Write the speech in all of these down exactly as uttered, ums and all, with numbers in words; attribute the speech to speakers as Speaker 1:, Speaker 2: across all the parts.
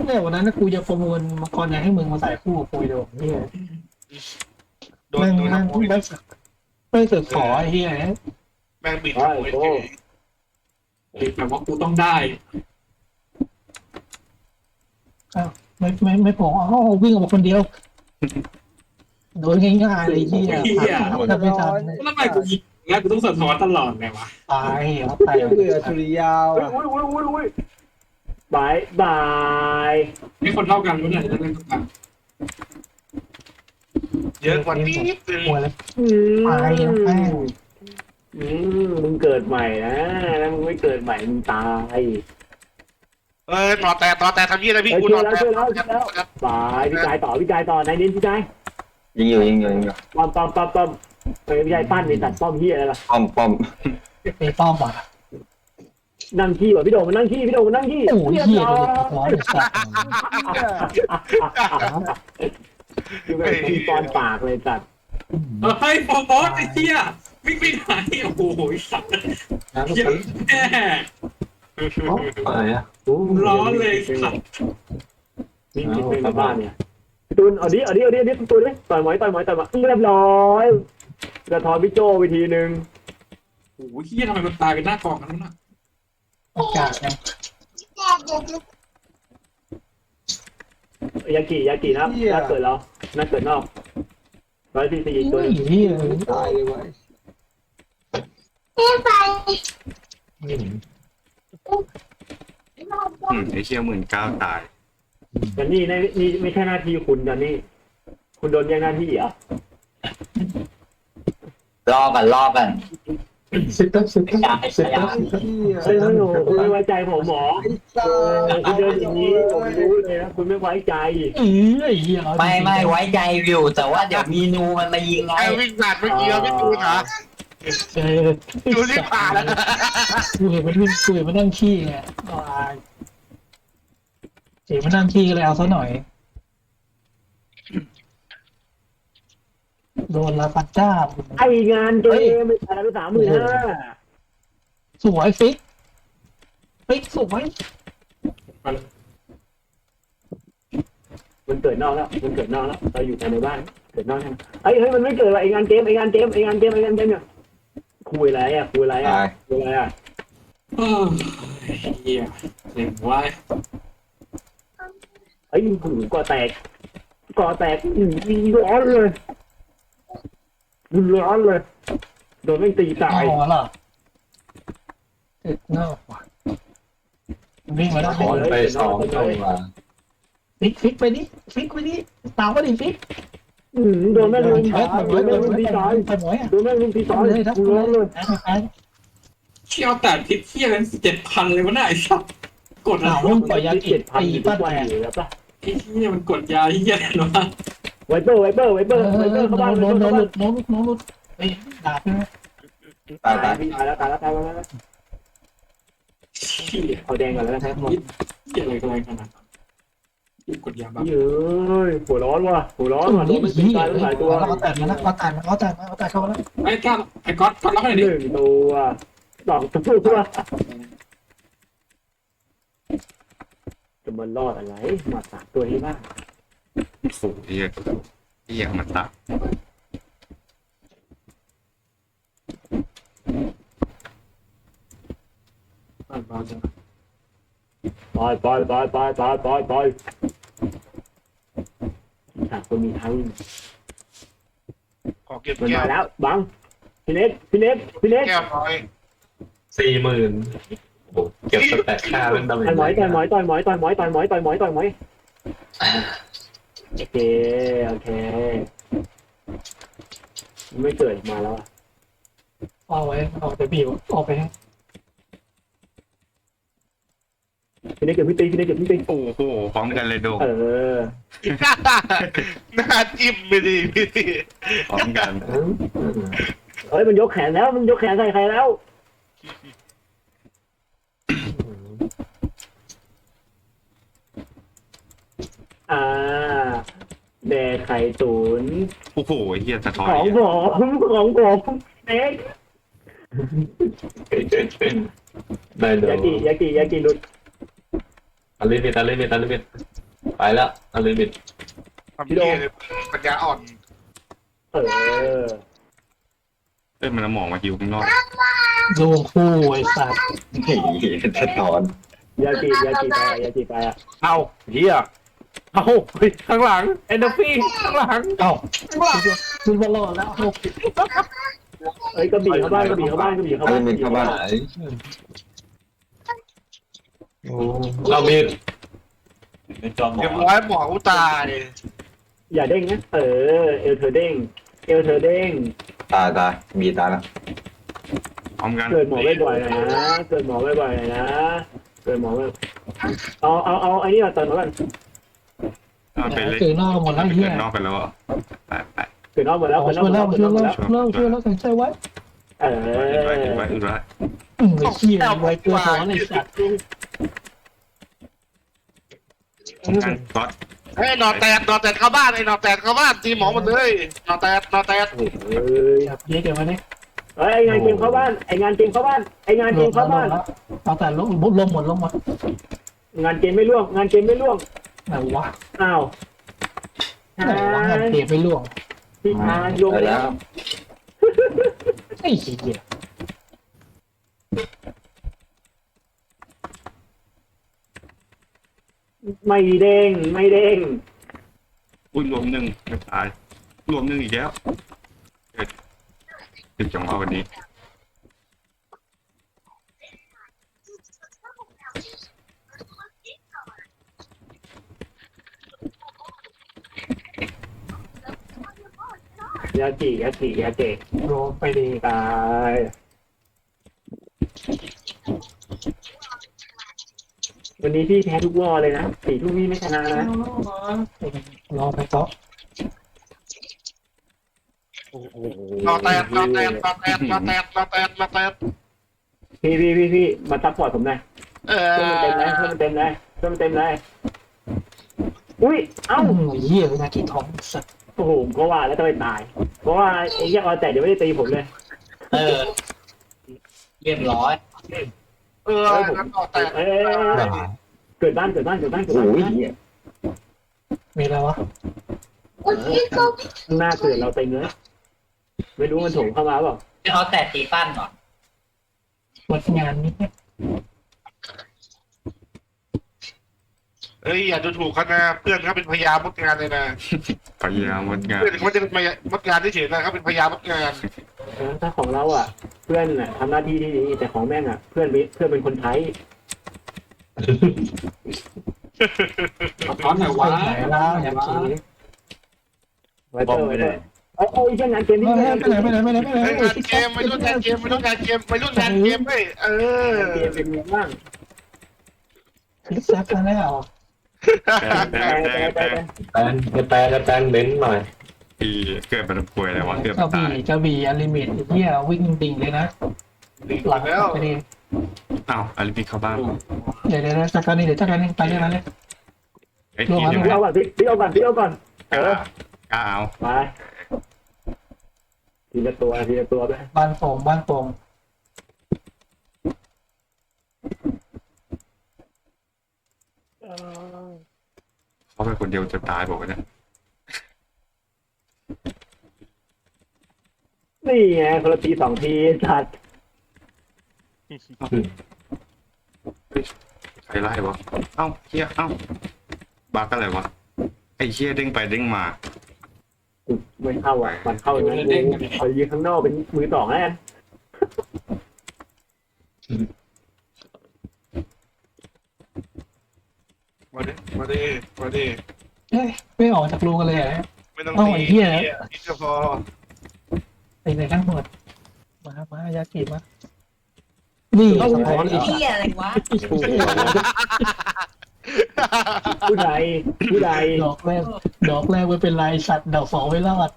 Speaker 1: เนี่ยวันนั้นกูจะประมูลมังกรอยากให้มึงมาใส่คู่กับกูดูนี่
Speaker 2: โดน
Speaker 1: แม่ง
Speaker 2: โดน
Speaker 1: แม่ง
Speaker 2: ขโมย
Speaker 1: แม่งแม่งสึกขอไอ้เหี้ย
Speaker 2: แม่งบิดขโมยเฉย
Speaker 3: แต่ว่ากูต้องได้
Speaker 1: ไม่ไม่ไม่พออ๋อวิ่งออกมาคนเดียวโดนง่ายๆเลยไอ้เหี้ยทำไม่ทัน
Speaker 3: แล้วทำไมกูยิงงั้นกูต้องสะท้อนตลอดเลยวะ
Speaker 1: ตายครับตาย
Speaker 4: เบื่อสุริยาว
Speaker 5: อุ้ย
Speaker 4: อ่ะ
Speaker 5: อุ้ยอุ้ยอุ้ยบายบาย
Speaker 3: ไม่คนเท่ากันรู้ไหนจะเล่นกัน
Speaker 2: เยอะกว่านี้นิดนึง
Speaker 1: หัวแล้ว
Speaker 5: อืม
Speaker 1: ตายแม่ง
Speaker 5: อืมมึงเกิดใหม่นะแล้วมึงไม่เกิดใหม่มึงตาย
Speaker 2: เออต่อแต่ต่อแต่ทำยี่อะไรพี่
Speaker 5: เฮ้ย
Speaker 2: กู
Speaker 5: ช่ว
Speaker 2: ต่
Speaker 5: ย
Speaker 2: อ
Speaker 5: แล้ว
Speaker 2: แต่
Speaker 5: ช่วยแล้วช่วยแล้วบายพี่ชายต่อพี่ชายต่อนายนินพี่ชาย
Speaker 6: ยิงอยู่ยิงอยู่ยิงอยู่
Speaker 5: ป้อมป้อมป้อมป้อมเฮ้ยพี่ชายปั้นในตัดป้อมเฮียอะไรล่ะ
Speaker 6: ป้อมป้อม
Speaker 1: ไอ้ป้อมอ่ะ
Speaker 5: นั่งขี้ว่ะพี่โด่งมันนั่งขี้พี่โด่งมันนั่งขี้
Speaker 1: โอ้ยเหี้ยเลยร้อนสัตว์
Speaker 5: คือแบบขี้ตอนปากเลยจัด
Speaker 3: เฮ้ยโฟมอสไอ้เหี้ยวิ่งไปไหนโอ้โหสัตว์เหี้ยแม่
Speaker 6: อะไรอ่ะ
Speaker 3: ร้อนเลยสัตว์
Speaker 5: นี่คิดเป็นบ้านเนี่ยพี่ตูนเอาดิเอาดิเอาดิเอาดิตูนเลยต่อยหมอยต่อยหมอยต่อยหมอยเรียบร้อยกระทอนพี่โจไปทีนึง
Speaker 3: โอ้โหเหี้ยทำไมมันตายเป็นหน้ากองกันวะ
Speaker 1: อากาศไง
Speaker 5: ยากิยากินะน่าเกิดแล้วน่าเกิดนอกร้อยสี่สี่ตัว
Speaker 1: ไอ้เหี้ย
Speaker 4: ตายเลยเว้ย
Speaker 6: อืมไอเชี่ยหมื่นเก้าตาย
Speaker 5: แต่นี่นี่นี่ไม่ใช่หน้าที่คุณนะนี่ คุณโดนแย่งหน้าที่เหรอ
Speaker 6: รอกันรอกัน
Speaker 1: สิบตั้งสิบตั้ง
Speaker 6: อย่า
Speaker 1: สิบ
Speaker 6: อย่า
Speaker 1: ตั้งสิบตั้ง
Speaker 5: เฮ้ยหนูคุณไม่ไว้ใจผมหมอ
Speaker 4: ไอ้ตา
Speaker 5: เออคุณเดินอย่างนี้ผมรู้เลยนะคุณไม่ไว้ใจ
Speaker 1: เออไอ้เหี้ย
Speaker 6: ไม่ไม่ไว้ใจอยู่แต่ว่าเดี๋ยวมีนูมันมายิงไง
Speaker 2: ไอ้วิ่งผ่านเมื่อกี้เราไม่ดูนะ
Speaker 1: เออ
Speaker 2: ดูรีบผ่านแล้ว
Speaker 1: กูเห็นมันวิ่งกูเห็นมันนั่งขี้ไงเห็นมันนั่งขี้ก็เลยเอาซะหน่อยโดนลาฟันจ้า
Speaker 5: ไองานเกมไม่ใช่ไปสามหมื่นห้า
Speaker 1: สวยฟิกฟิกสวย
Speaker 5: มันเกิดนอกแล้วมันเกิดนอกแล้วเราอยู่แต่ในบ้านเกิดนอกใช่ไหมเฮ้ยเฮ้ยมันไม่เกิดว่ะไองานเกมไองานเกมไองานเกมไองานเกมเนี่ยคุยอะไรอ่ะคุยอะไรอ่ะ
Speaker 6: ตาย
Speaker 5: คุยอะไรอ่ะ
Speaker 3: เออเหี้ยเจ็บไว้
Speaker 5: เฮ้ยหูก่อแตกก่อแตกอืมร้อนเลยร้อนเลยโดนไม่ตีตาย
Speaker 1: อ๋อเหรอเอ็ดนอกว่ะวิ่งมาแล้ว
Speaker 6: ขอไปสองตัว
Speaker 1: ฟิกฟิกไปดิฟิกไปดิตามมาดิฟิก
Speaker 5: อืมโดนแม่งลุม
Speaker 1: เฮ้ย
Speaker 5: โดนแม่งลุมตีตาย
Speaker 1: ไปหมวยอ่ะ
Speaker 5: โดนแม่งลุมตีตาย
Speaker 1: เลยทับ
Speaker 5: ร้อนเลย
Speaker 1: ไป
Speaker 3: เชี่ยวแต่พิษเหี้ยกันเจ็ดพันเลยวะน่ะไอ้สัตว์กด
Speaker 1: ห
Speaker 3: อะ
Speaker 1: นาว
Speaker 3: ไร
Speaker 1: ต้องปล่อยยากิ
Speaker 5: เจ็ดพัน
Speaker 1: ตี
Speaker 5: ทุ
Speaker 1: ปั้น
Speaker 5: กวัน
Speaker 1: แตก
Speaker 5: อยู่แล้วป่ะ
Speaker 3: ไอ้เหี้ยมันกดยาเหี้ยเนาะ
Speaker 5: ไวเปอร์ไวเปอร์ไวเป
Speaker 1: เอ
Speaker 5: อร์ไวเปอ
Speaker 1: อ
Speaker 5: ร์เข้าบ้าน
Speaker 1: โด
Speaker 5: ไวน เป
Speaker 1: โด
Speaker 5: อร์
Speaker 1: น
Speaker 5: เข้า
Speaker 1: หลุ
Speaker 5: บ้าน
Speaker 1: ดโดนหลุดโดนหลุดเฮ้ยดาบใช่ไหม
Speaker 6: ตายตาย
Speaker 5: ตายแล้วตายแล้วตายแล้วตายแล้ว
Speaker 3: เหี้ย
Speaker 5: เอาแดงก่อนแล้วนะครับ
Speaker 3: เหี้ยอะไรกันอะไรขนาดนั้นกดยาบ้า
Speaker 5: เย้ยหัวร้อนว่ะหัวร้อนว่ะโดนมันตีตายทั้งหลายตัว
Speaker 1: แล้วเขาแตกมาแล้วเขาแตกมาเขาแตกมาเขาแตกเข้ามาแล้ว
Speaker 3: ไอ้ก้าวไอ้ก๊อตก๊อตรับให้หน่อย
Speaker 5: ห
Speaker 3: ดิ
Speaker 5: นึ่งตัวสองตัวจะมันรอดอะไรมาสามตัวนี้บ้าง
Speaker 6: โอ้ยเหี้ยมันตาย
Speaker 3: อ่านเบาจัง
Speaker 5: ปล่อยปล่อยปล่อยปล่อยปล่อยปล่อยปล่อยฉากตัวมีทั้ง
Speaker 2: ขอเก็บ
Speaker 5: มัน
Speaker 2: แก้
Speaker 5: มาว แล้วบังพี่เน็ตพี่เน็ตพี่เน็ต
Speaker 2: แก้วน้อย
Speaker 6: สี่หมื่นเก็บสแตทค่าเป็นดาเมจ
Speaker 5: ต่อยหมอยต่อยหมอยต่อยหมอยต่อยหมอยต่อยหมอยต่อยหมอยต่อยหมอยโอเคโอเคไม่เกิดมาแล้ว
Speaker 1: เอาไว้เอาไปบีบออกไปให้
Speaker 5: พี่เน็ตเก็บพี่ตีพี่เน็ตเก็บพี่ตี
Speaker 6: โอ้โหพร้อมกันเลยโด
Speaker 5: เออ
Speaker 2: หน้าจิ้มไปดิพี่
Speaker 6: พร้อมกัน
Speaker 5: เฮ้ยมันยกแขนแล้วมันยกแขนใส่ใครแล้วอ่าแดกไข่ตุ๋น
Speaker 6: โอ้โหเฮียสะท้อน
Speaker 5: ของผมของผมเน็ก
Speaker 6: ได้โด
Speaker 5: ยากิยากิยากิหลุด
Speaker 6: ตาลิมิตตาลิมิตตาลิมิตไปแล้วอลิมิต
Speaker 2: ทำเหี้ยเลยปัญญาอ่อน
Speaker 5: เออ
Speaker 7: เอ้ยมันเอาหมอกมาฮิวข้างนอก
Speaker 1: ดวงคู่ไอ้สัตว์
Speaker 6: เฮ้ยสะท้อน
Speaker 5: ยาจียาจีไปอะยาจีไปอะ
Speaker 3: เอาเฮียเอาเฮ้ยข้างหลังเอนโดฟี่ข้างหลัง
Speaker 1: เอ้าคุณบอลอดแล้วเอา
Speaker 5: เอ้ยกระบี่เข้าบ้านกระบี่เข้าบ้านกระบี่เข้า
Speaker 6: อ
Speaker 5: บ้า
Speaker 6: ลิ
Speaker 5: น
Speaker 6: มิตเข้าบ้านโอ้เรามีเป็นจอมหมอ
Speaker 2: เรียบร้อยหมออุตาย
Speaker 5: อย่าเด้งนะเออเอลเธอเด้งเอลเธอเด้ง
Speaker 6: ตายตายมีตายแล้ว
Speaker 7: พร้อมกัน
Speaker 5: เกิดหมอบ่อยๆหน่อยนะเกิดหมอบ่อยๆหน่อยนะเกิดหมอบ่อยเอาเอาเอาไอ้นี่มาเติมมาก่อน
Speaker 7: เอาไปเลย
Speaker 1: เกิดนอกหมดแล้วไอ้เหี้
Speaker 7: เกิ
Speaker 1: ย
Speaker 7: ดนอกไปแล้วอ่ะไปไป
Speaker 5: เกิดนอกหมดแล้ว
Speaker 1: เอา
Speaker 5: เกิดนอก
Speaker 1: ช่วย
Speaker 5: หมด
Speaker 1: แล้
Speaker 5: แล้ว ว
Speaker 1: ช่วยแล้วช่วยแล้วช่วยแล้วแข็งใจไว้
Speaker 5: เอ
Speaker 7: อึดไว้
Speaker 5: อ
Speaker 7: อึดไว้อึดไว้
Speaker 1: อืมไอ้เหี้ยไว้เกลือถอนไอ้สัตว์
Speaker 7: พร้อมกันก๊อต
Speaker 2: เฮ้ยนอนแตดนอนแตดเข้าบ้านไอ้นอนแตดเข้าบ้านตีหมอหมดเลยนอนแตดนอนแตด
Speaker 5: เฮ้ย
Speaker 1: จับเยอะเกินมาเนี่ย
Speaker 5: เฮ้ยไองานเกมเข้าบ้านไองานเกมเข้าบ้านไองานเกมเข้าบ้าน
Speaker 1: เอาแต่ลงลงหมดลงหมด
Speaker 5: งานเกมไม่ล่วงงานเกมไม่ล่วง
Speaker 1: ไหนวะ
Speaker 5: อ้าว
Speaker 1: ไหนวะงานเก็บไปล่วง
Speaker 5: พี่ชายโยง
Speaker 6: ไป
Speaker 5: แล้
Speaker 6: แล้ว ว
Speaker 1: ไอ้เหี้ย
Speaker 5: ไม่เด้งไม่เด้ง
Speaker 7: อุ้ยรวมหนึ่งไม่ตายรวมหนึ่งอีกแล้วเกิดติดจังหวะวันนี้
Speaker 5: ยาจียาจียาเจ
Speaker 1: โดนไปดี
Speaker 5: ตายวันนี้พี่แพ้ทุกวอเลยนะสี่ทุ่มพี่ไม่ชนะนะ
Speaker 1: รอไปต่อน
Speaker 2: อนแตดนอนแตดนอนแตดนอนแตดนอนแตดนอนแตด
Speaker 5: พี่พี่พี่พี่มาซัพพอร์ตผมหน่อย
Speaker 2: เออ
Speaker 5: เพิ่มเต็มเลยเพิ่มเต็มเลยเพิ่มเต็มเลยอุ้ยเอ้า
Speaker 1: เอ้าเหี้ยนาทีทองสัตว์
Speaker 5: โอ้โหผมก็ว่าแล้วจะไปตาย เพราะว่าไอ้เหี้ยออแต่เดี๋ยวไม่ได้ตีผมเลย
Speaker 4: เออ เรียบร้อย
Speaker 2: เอองั้นนอนแตด
Speaker 5: เอ้ยเกิดบ้านเกิดบ้านเกิดบ้านเกิด
Speaker 6: โอ้
Speaker 5: บ้าน
Speaker 6: ย
Speaker 1: มีอะไรวะ
Speaker 5: ข้างหน้าเกิดเราเต็มเลยไม่รู้มันโถงเข้ามาเปล่า
Speaker 4: เอาแต่ตีปั้นก่อน
Speaker 1: หมดงานนี้
Speaker 2: เอ้ยอย่าดูถูกเขานะเพื่อนเขาเป็นพยามดงานเลยนะ
Speaker 7: พยายามวัดงาน
Speaker 2: เพื่อนเขาไม่ได้เป็นพยามดงานที่เฉยๆนะเขาเป็นพยามดงาน
Speaker 5: เออถ้าของเราอ่ะ เพื่อนน่ะทำหน้าที่ที่ดีแต่ของแม่งอ่ะ เพื่อนเป็นเพื่อนเป็นคนไทย
Speaker 4: เอาท้อนหน่อยวะ
Speaker 1: ไหนแล้วอย่างนี้
Speaker 5: ไว้เตอร์ไว้เตอร์โอ้ยเช่นงานเกมนี้
Speaker 1: ไม่
Speaker 5: งาน
Speaker 1: ไหนไม่ไหนไม่ไหนไม่ไหน
Speaker 2: เฮ้ยงานเกมไม่รุ่นงานเกมไม่รุ่นงานเกมไม่รุ่นงานเกมเว้ยเออ
Speaker 5: เกมเป็นไงบ้าง
Speaker 1: คลิกแซฟแล้ว
Speaker 7: แปลแปลแปลแปล
Speaker 6: แปนแปนแปนเบ้นหน่อย
Speaker 7: ปีเกิดเป็นป่วยอะไรวะเกือบ
Speaker 1: กระ
Speaker 7: ตา
Speaker 1: บี่
Speaker 7: ย
Speaker 1: กระบี่อลิมิตเหี้ยวิ่งดิ่งเลยนะ
Speaker 2: ดี
Speaker 1: หลัง
Speaker 2: แล้ว
Speaker 1: ไปดี
Speaker 7: อ้าวอลิมิตเข้าบ้าน
Speaker 1: เดี๋ยวเดี๋ยวจัดการนี่เดี๋ยวจัดการนี่ไปเรื่องนั้นเลย
Speaker 7: ไอ้ทีมยัง
Speaker 5: พี่
Speaker 7: ไง
Speaker 5: เอาก่อนพี่พี่เอาก่อนพี่เอาก่อน
Speaker 7: กล้ากล้าเอา
Speaker 5: ไปทีละตัวทีละตัวไป
Speaker 1: บ้านโป่งบ้านโป่ง
Speaker 7: เขาเป็นคนเดียวจะตายบอกว่าเนี่ย
Speaker 5: นี่ไงคนละทีสองทีสัตว์
Speaker 7: ใครไล่วะเอ้าเฮียเอ้าบักอะไรวะไอ้เฮียเด้งไปเด้งมา
Speaker 5: ไม่เข้าอ่ะมันเข้าอย่างนั้นกูขอยืนข้างนอกเป็นมือสองแล้วกัน
Speaker 2: มาดิมาดิมาดิ
Speaker 1: เอ้ยไม่ออกจากรูกันเลยอ่ะ
Speaker 2: ไม่ต้อง
Speaker 1: เอ้า
Speaker 2: ตี
Speaker 1: ไอ้เหี้ย
Speaker 2: นี่ก็พอ
Speaker 1: ไปไหนทั้งหมดมามายากิมานี่สะท้อนอีก
Speaker 4: เฮียอะไรวะ
Speaker 5: ผู้ใดผู้ใด
Speaker 1: ดอกแรกดอกแรกไม่เป็นไรสัตว์ดอกสองไม่รอด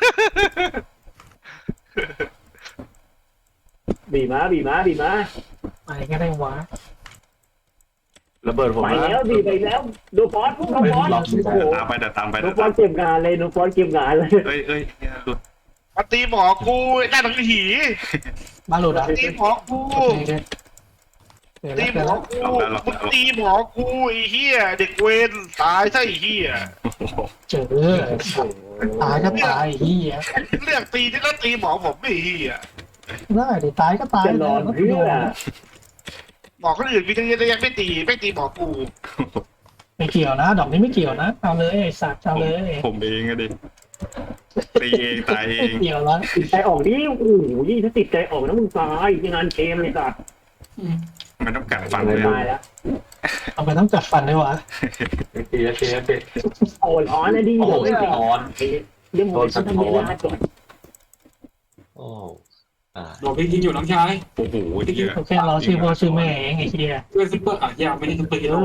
Speaker 5: บีมาบีมาบีมา
Speaker 1: ไปก็ได้วะ
Speaker 6: ระเบิดผม
Speaker 5: ไป
Speaker 6: แล้
Speaker 5: แล้ว วบีไปแล้วโดฟอนพวกโดฟอนโอ้โห
Speaker 7: ตามไปแต่ตามไป
Speaker 5: โด
Speaker 7: แต่
Speaker 5: ฟอ
Speaker 7: ตาน ม
Speaker 5: เก็บงานเลยโดฟอนเก็บงานเลย
Speaker 7: เอ้ยเอ้ยเหี้ยหลุด
Speaker 2: มาตีหมอกูหน้าหนังหี
Speaker 1: บ้านหลุดอ่ะ
Speaker 2: ตีหมอกู
Speaker 1: เดี๋ยว
Speaker 2: ตี
Speaker 1: แล้ว
Speaker 2: หม
Speaker 1: เดี๋ยว
Speaker 2: อ
Speaker 1: แล้ว
Speaker 2: กูมึงตีหมอกูไอ้เหี้ยเด็กเวรตายซะไอ้เหี้ย
Speaker 1: เจอตายก็ตายเฮีย
Speaker 2: เรียกตีที่ก็ตีหมอผมไม่เหี้ย
Speaker 1: ได้ดิตายก็ตาย
Speaker 5: จะนอนเพื่อ
Speaker 2: หมอคนอื่นมีตั้งเยอะตั้งแยะไม่ตีไม่ตีหมอกู
Speaker 1: ไม่เกี่ยวนะ ดอกนี้ไม่เกี่ยวนะเอาเลยไอ้สัตว์เอาเลย
Speaker 7: ผมเองอะดิตีเองตายเอ
Speaker 1: ไม่
Speaker 7: ง
Speaker 1: เกี่ยวแล้ว
Speaker 5: ติดใจออกดิโอ้โหยิ่งถ้าติดใจออกนะมึงตายที่งานเกมเลยสัตว์
Speaker 7: มันต้องกัดฟัน
Speaker 5: ต
Speaker 7: เลย
Speaker 5: ายแล้ว
Speaker 1: เอาไปต้องจัดฟันด้วยวะ
Speaker 6: เสียเสียเสีย
Speaker 5: โอ้ร้อนนะดิ
Speaker 6: โอ้
Speaker 5: เดี๋ยวไม่ติด
Speaker 6: ร้อน
Speaker 5: เดี๋ยวผมจะทำเวลาก่อน
Speaker 6: โอ้อ่า
Speaker 3: โดนพี่ยิงอยู่น้องชาย
Speaker 7: โอ้โหเยอะ
Speaker 1: โอเคเราชื่อพ่อชื่อแม่เองไอ้เฮีย
Speaker 3: เพื่อนซุปเปอร์อ่ะยาวไม่ได้ซุปเปอร์ฮีโร่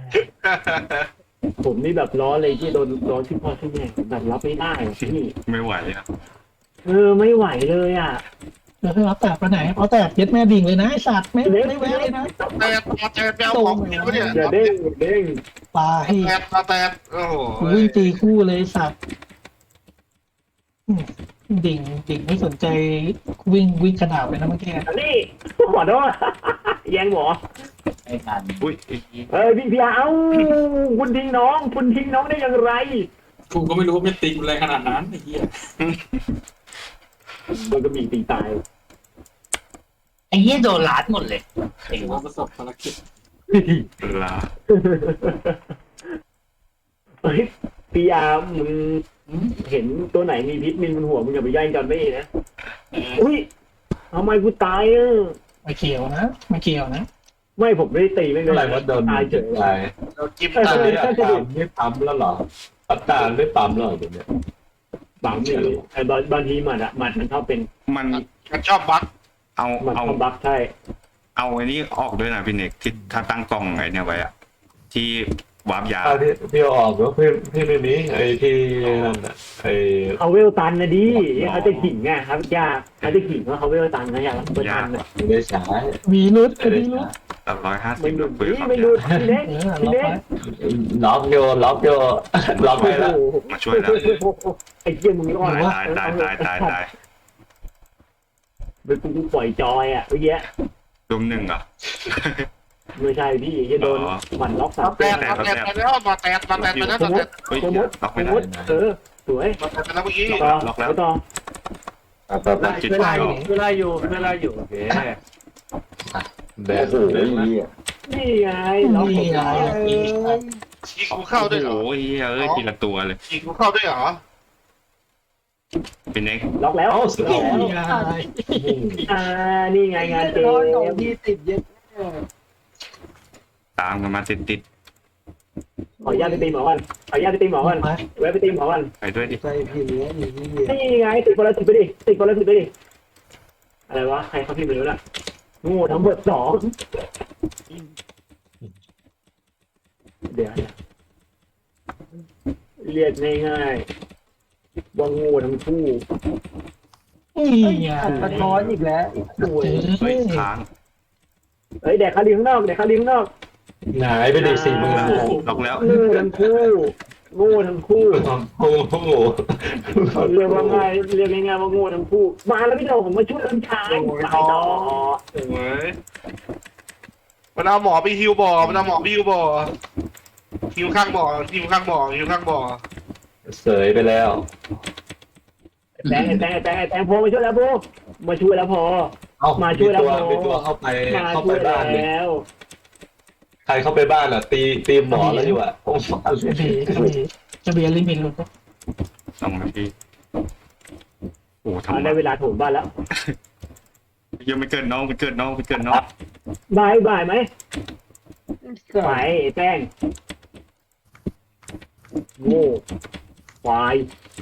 Speaker 5: ผมนี่แบบร้อนเลยที่โดนร้อนที่พ่อที่แม่แบบรับไม่ได้พี่
Speaker 7: ไม่ไหวอ่ะ
Speaker 5: เออไม่ไหวเลยอ่ะ
Speaker 1: เดี๋ยวให้รับแตกไปไหนเอาแตกเย็ดแม่ดิ่งเลยนะไอ้สัตว์ไม่ไม่แวะเลยนะ
Speaker 2: แต่มาแต่แปลหมอกูเนี่ยเนี่ย
Speaker 5: อย่าเด้งอย่าเด้ง
Speaker 1: ปลาให้
Speaker 2: แต่มาแต่โอ้โห
Speaker 1: กูวิ่งตีคู่เลยไอ้สัตว์อืมดิ่งดิ่งไม่สนใจวิ่งวิ่งขนาดเลยนะเมื่อกี้
Speaker 5: อันนี้ขอโทษแย่งหมอ
Speaker 4: ไม่ทัน
Speaker 7: อุ้ย
Speaker 5: เออพี่พี่เอ้าคุณทิ้งน้องคุณทิ้งน้องได้อย่างไร
Speaker 3: กูก็ไม่รู้ว่าเป็นตีกูแรงขนาดนั้นไอ้เหี้ย
Speaker 5: โดนกระบี่ตีตาย
Speaker 4: ไอ้เหี้ยโดนลัดหมดเลย
Speaker 3: ถือว่าประสบภารกิจ
Speaker 7: เวลา
Speaker 5: เฮ้ยพี่อามึงเห็นตัวไหนมีพิษมินบนหัวมึงอย่าไปแย่งจอนไม่นะอุ้ยทำไมกูตายอ่ะ
Speaker 1: ไม่เกี่ยวนะไม่เกี่ยวนะ
Speaker 5: ไม่ผมไม่ได้ตีไม่
Speaker 6: เมื่อไห
Speaker 5: เล
Speaker 6: ร่
Speaker 5: ย
Speaker 6: ว่าโดน
Speaker 5: ตายเฉย
Speaker 6: ตาย
Speaker 2: เราจิ้ม
Speaker 6: ตา
Speaker 2: ตาย
Speaker 6: เนี่ยปั๊มไม่ปั๊มแล้วเหรอปัตตาไม่ปั๊มแล้วเดี๋ยวนี้
Speaker 5: บางทีไอ้บางบางทีหมัดอะหมัดมันชอบเป็น
Speaker 7: มัน
Speaker 2: มันชอบบั๊ก
Speaker 7: เอา
Speaker 5: หมัด
Speaker 7: เอา
Speaker 5: คอมบักใช่
Speaker 7: เอาไอ้นี่ออกด้วยนะพี่เน็กที่ถ้าตั้งกล้องไอ้เนี่ยไว้อะที่วาร์ปยา
Speaker 6: อ่าพี่พี่เอาออกแล้วพี่พี่ไม่มีไอ้ที่นั่นน่ะไอ้
Speaker 5: เขาเวลตันนะดิเขาจะขิงไงครับยากเขาจะขิงว่าเขาเวลตันนะอยากเปิดตันอะ
Speaker 6: ไม่ได้ใช้
Speaker 1: มีรุด
Speaker 6: ไม่ได้
Speaker 1: มีรุ
Speaker 6: ใช้
Speaker 1: ด
Speaker 7: ร้อยห้าสิ
Speaker 5: ไม่
Speaker 7: บ
Speaker 5: หลุด
Speaker 7: ปืน
Speaker 5: นี่
Speaker 7: ครับ
Speaker 5: ไม่หลุดพี่เล็ก
Speaker 1: เออ
Speaker 5: พี่
Speaker 1: ล็อก
Speaker 5: เล็ก
Speaker 1: ไว้
Speaker 6: ล็อกโยล็อกโยล็อกไปแล้ว
Speaker 7: มาช่วยแล้ว
Speaker 5: ไอ้เหี้ยมึงรอด
Speaker 7: ตายตายตายตายตายตาย
Speaker 5: เป็นกูปล่อยจอยอ่ะเมื่อกี้
Speaker 7: รวมหนึ่งเหรอ
Speaker 5: ไม่ใช่พี่จะโดนหมันล็อกสาม
Speaker 2: แต่
Speaker 5: ตัว
Speaker 2: มาแต่ไปแล้วมาแต่มาแต่ไปแล้ว
Speaker 5: ส
Speaker 2: มาม
Speaker 5: ม
Speaker 2: แต่
Speaker 5: ติ
Speaker 7: เฮ้ย
Speaker 5: สมมติ
Speaker 7: ล็อก
Speaker 5: ส
Speaker 7: ไม่
Speaker 5: ม
Speaker 7: ได้
Speaker 5: มติเออสวย
Speaker 2: มาแต่ไปแล้วเมื่อกี้
Speaker 5: ต่อ
Speaker 7: ล็อกแล้ว
Speaker 5: ต่อ
Speaker 6: แบบ
Speaker 7: จิต
Speaker 5: เว
Speaker 7: ใจ
Speaker 5: ลาอ
Speaker 7: อยู่ อก
Speaker 5: เวลาอยู่เวลาอยู่โอเค
Speaker 6: แบบเลยนะ
Speaker 5: นี่ไงล็อกผม
Speaker 1: นี่ไง
Speaker 2: ยิงกูเข้าด้วยเหรอ
Speaker 7: โอ้โหเฮ้ยทีละตัวเลย
Speaker 2: ยิงกูเข้าด้วยเหรอ
Speaker 7: พี่เน็ก
Speaker 5: ล็อกแล้ว
Speaker 6: เอ้าสุดยอด
Speaker 1: นี่ไง
Speaker 5: อ่านี่ไงงานเกม
Speaker 1: ที่ติดเย็ด
Speaker 7: ตามกันมาติดติด
Speaker 5: ขออนุญาตไปตีหมอก่อนขออนุญาตไปตีหมอก่อน
Speaker 1: ไป
Speaker 5: แวะไปตีหมอก่อน
Speaker 7: ๆไปด้วยดิ
Speaker 1: ใจพี่เลี้ยงอย่างนี้
Speaker 5: นี่ไงติดคนละติดไปดิติดคนละติดไปดิอะไรวะใครเขาพิมพ์ไปแล้วน่ะโง่ทั้งหมดสองเดี๋ยวนะเรียกง่ายๆว่าโง่ทั้งคู่
Speaker 1: นี่ไง
Speaker 5: สะท้อนอีกแล้วโอ้ย
Speaker 7: เฮ้ยค้าง
Speaker 5: เฮ้ยแดกคาลีข้างนอกแดกคาลีข้างนอก
Speaker 6: หายไปดิสี่หมื่น
Speaker 7: ล็อกแล้ว
Speaker 5: โง่ทั้งคู่โง่ทั้งคู่
Speaker 6: โอ้โห
Speaker 5: เรียกว่าง่ายเรียกง่ายๆว่าโง่ทั้งคู่มาแล้วพี่โดผมมาช่วยกันชายตายต่อ
Speaker 2: โอ้ยมันเอาหมอไปฮิวบ่อมันเอาหมอไปฮิวบ่อฮิวข้างบ่อฮิวข้างบ่อฮิวข้างบ่อ
Speaker 6: เสยไปแล้ว
Speaker 5: แตงแตงแตงแตงพอมาช่วยแล้วพอมาช่วยแล้วพอ
Speaker 6: เอ้า
Speaker 5: มา
Speaker 6: มี
Speaker 5: ช่วยแล้ว
Speaker 6: ตัว
Speaker 5: โม
Speaker 6: มีตัวเข้าไป
Speaker 5: มา
Speaker 6: เข้า
Speaker 5: ช่
Speaker 6: ไป
Speaker 5: วย
Speaker 6: บ้านเลย
Speaker 5: แล้ว
Speaker 6: ใครเข้าไปบ้านอ่ะ ตีตีหมอแล้วอยู่อ่ะโอ้โห
Speaker 1: กระบี่กระบี่กระบี่ลิมิตหลุด
Speaker 7: สองนาทีโอ้ทำ
Speaker 5: อ่าได้เวลาโถมบ้านแล้ว
Speaker 7: ยังไม่เกินน้องไม่เกินน้องไม่เกินน้อง
Speaker 5: บายบายไหมไปแป้งโง่ควาย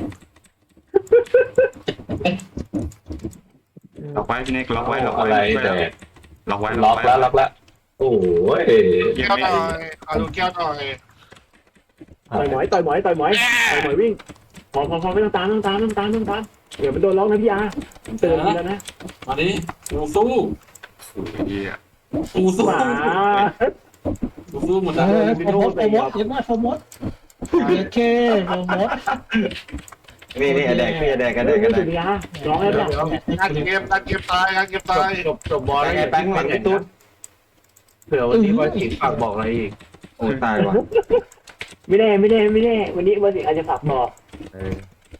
Speaker 7: ล็อกไว้พี่เน็กล็อกไว้ล็อก
Speaker 6: อะ
Speaker 7: ไว้
Speaker 6: ไร
Speaker 7: ช่วย
Speaker 6: แต่
Speaker 7: ล็อกไว้
Speaker 6: ล็อกแล้วล็อกแล้วโอ้ย
Speaker 7: ยัง
Speaker 2: แก้ว
Speaker 7: ไม่
Speaker 2: หน่อยเอาดูแก้วหน่อย
Speaker 5: ต่อยหมอยต่อยหมอยต่อยหมอยต่อยหมอยวิ่งพอพอพอไม่ต้องตามไม่ต้องตามไม่ต้องตามไม่ต้องตามเดี๋ยวมันโดนล็อกนะพี่อาผมเตือนคุณแล้วนะ
Speaker 3: มาดิกูสู้
Speaker 7: โอ้ยเหี้ย
Speaker 3: กูสู้
Speaker 5: หมา
Speaker 3: กูสู้หมด
Speaker 1: เอ
Speaker 3: แล้ว
Speaker 1: อโฟมดโฟมดเห็นไหมโฟมดเย็ดเคโฟมด
Speaker 6: นี่นี่แดกนี่แดกกันแดกกัน
Speaker 5: สุดยาร้องแล้วเนี่ย
Speaker 2: การเกมการเกมตายการเกมตาย
Speaker 6: จบจบบอลแล้วไงแป้งหลังพี่ตุ๊ดเผื่อวันนี้บอยสิฝากบอกอะไรอีกโอ้ตายว่ะ
Speaker 5: ไม่แน่ไม่แน่ไม่แน่วันนี้วันนี้อาจจะฝากบอก
Speaker 6: เออ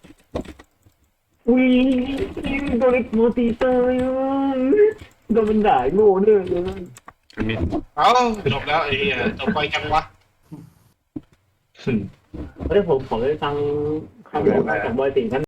Speaker 5: อุ้ยโดนไอ้โมตีเตอร์โดนมันด่าโง่เนี่ย
Speaker 7: มี
Speaker 2: เอ้าจบแล้วไอ้เหี้ยจบไปจังวะ
Speaker 5: เฮ้ยผมขอไปฟังคำบอกของบอยสิงห์ท่าน